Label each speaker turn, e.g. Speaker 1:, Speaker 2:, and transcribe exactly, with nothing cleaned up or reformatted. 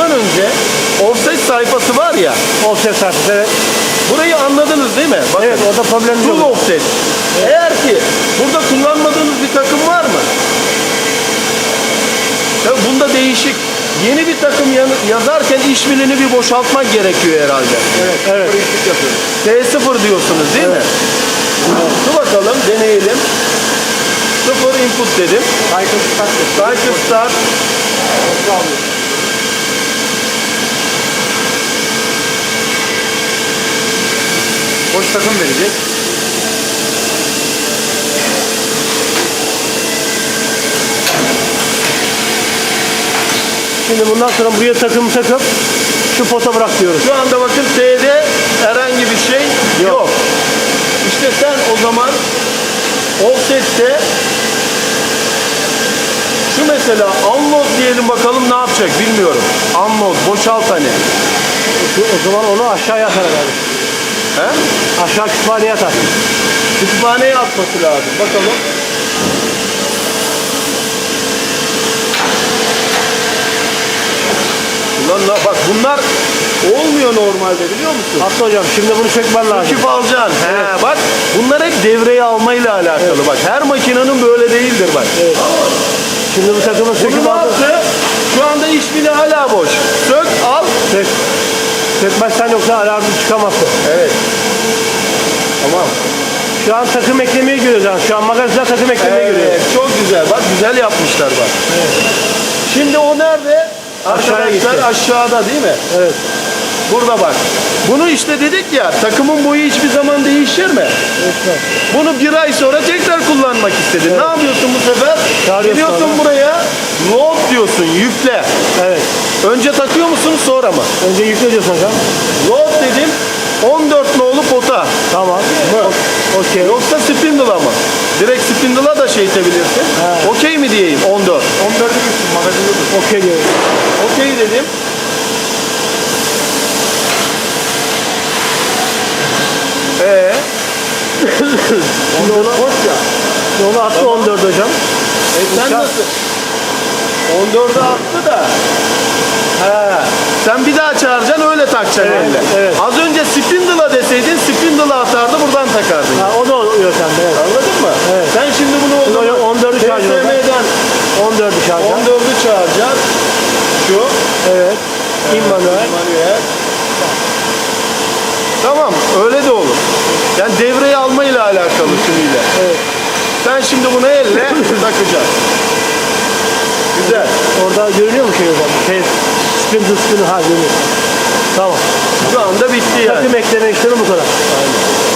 Speaker 1: başlamadan önce offset sayfası var ya.
Speaker 2: Offset sayfası, evet.
Speaker 1: Burayı anladınız değil mi? Bakın,
Speaker 2: Evet, orada problem
Speaker 1: full
Speaker 2: yok.
Speaker 1: offset. Evet. Eğer ki burada kullanmadığınız bir takım var mı? Tabii bunda değişik. Yeni bir takım yazarken işbilini bir boşaltmak gerekiyor herhalde.
Speaker 2: Evet, evet.
Speaker 1: T sıfır diyorsunuz değil
Speaker 2: evet.
Speaker 1: mi? Evet. Dur bakalım, deneyelim. Sıfır input dedim.
Speaker 2: Cycle start.
Speaker 1: Cycle start.
Speaker 2: Boş takım verecek. Şimdi bundan sonra buraya takım takıp şu pota bırak diyoruz.
Speaker 1: Şu anda bakın T'de herhangi bir şey yok. yok. İşte sen o zaman offset'te şu mesela unload diyelim, bakalım ne yapacak bilmiyorum. Unload, boşalt hani.
Speaker 2: O zaman onu aşağıya atar herhalde.
Speaker 1: He?
Speaker 2: Aşağı kütüphaneye atar.
Speaker 1: Kütüphaneye atması lazım. Bakalım. Ulan bak bunlar olmuyor normalde, biliyor musun?
Speaker 2: Hatta hocam şimdi bunu sökmen lazım.
Speaker 1: Söküp alacaksın.
Speaker 2: Evet.
Speaker 1: He, bak bunlar hep devreye almayla alakalı. Evet. Bak her makinenin böyle değildir bak.
Speaker 2: Evet. Şimdi bu takımı
Speaker 1: Bunu
Speaker 2: söküp
Speaker 1: ne
Speaker 2: aldın.
Speaker 1: yaptı? Şu anda iş bile hala boş. Sök, al.
Speaker 2: Sök. Sökmezsen yoksa alarmı çıkamazsın.
Speaker 1: Evet. Tamam.
Speaker 2: Şu an takım eklemeyi görüyoruz yani. Şu an magazinde takım eklemeyi
Speaker 1: Evet,
Speaker 2: görüyoruz.
Speaker 1: çok güzel. Bak güzel yapmışlar bak.
Speaker 2: Evet.
Speaker 1: Şimdi o nerede?
Speaker 2: Aşağıya
Speaker 1: Arkadaşlar
Speaker 2: gitti.
Speaker 1: aşağıda değil mi?
Speaker 2: Evet.
Speaker 1: Burada bak. Bunu işte dedik ya, takımın boyu hiçbir zaman değişir mi?
Speaker 2: Evet.
Speaker 1: Bunu bir ay sonra tekrar kullanmak istedin.
Speaker 2: Evet.
Speaker 1: Ne yapıyorsun bu sefer?
Speaker 2: Çağırıyorsun
Speaker 1: Geliyorsun
Speaker 2: abi.
Speaker 1: buraya, load diyorsun, yükle.
Speaker 2: Evet.
Speaker 1: Önce takıyor musunuz sonra mı?
Speaker 2: Önce yükle diyorsun hocam.
Speaker 1: Load dedim, on dört nolu pota.
Speaker 2: Tamam.
Speaker 1: Mı?
Speaker 2: Okey.
Speaker 1: Yoksa spindle'a mı? Direkt spindle'a da şey itebilirsin.
Speaker 2: He.
Speaker 1: Okey mi diyeyim? on dört.
Speaker 2: on dörde gitsin magazinde dur. Okey diyorum.
Speaker 1: Okey dedim. Ee,
Speaker 2: Şimdi onu,
Speaker 1: boş ya.
Speaker 2: onu attı
Speaker 1: Tamam.
Speaker 2: on dört hocam.
Speaker 1: E sen
Speaker 2: Uçak.
Speaker 1: nasıl? on dörde attı da. He. Sen bir daha çağıracaksın, öyle takacaksın
Speaker 2: Evet,
Speaker 1: elle.
Speaker 2: evet.
Speaker 1: Az önce spindle'a deseydin spindle'a atardı, buradan takardın.
Speaker 2: Ha, o da o yöntemde. Evet.
Speaker 1: Anladın mı?
Speaker 2: Evet.
Speaker 1: Sen şimdi bunu o
Speaker 2: Şimdi
Speaker 1: zaman
Speaker 2: on dördü çağıracağız.
Speaker 1: T S M'den
Speaker 2: on dördü çağıracağım.
Speaker 1: on dördü çağıracağız. Şu.
Speaker 2: Evet. İmmanuel.
Speaker 1: Manuel. Tamam, öyle de olur. Yani devreye almayla alakalı tümüyle.
Speaker 2: Evet.
Speaker 1: Sen şimdi bunu elle takacaksın. Güzel.
Speaker 2: Orada görünüyor mu şey hocam? Şey, spindle spindle ha görünüyor. Tamam.
Speaker 1: Şu anda bitti yani.
Speaker 2: Takım ekleme işlemi bu kadar.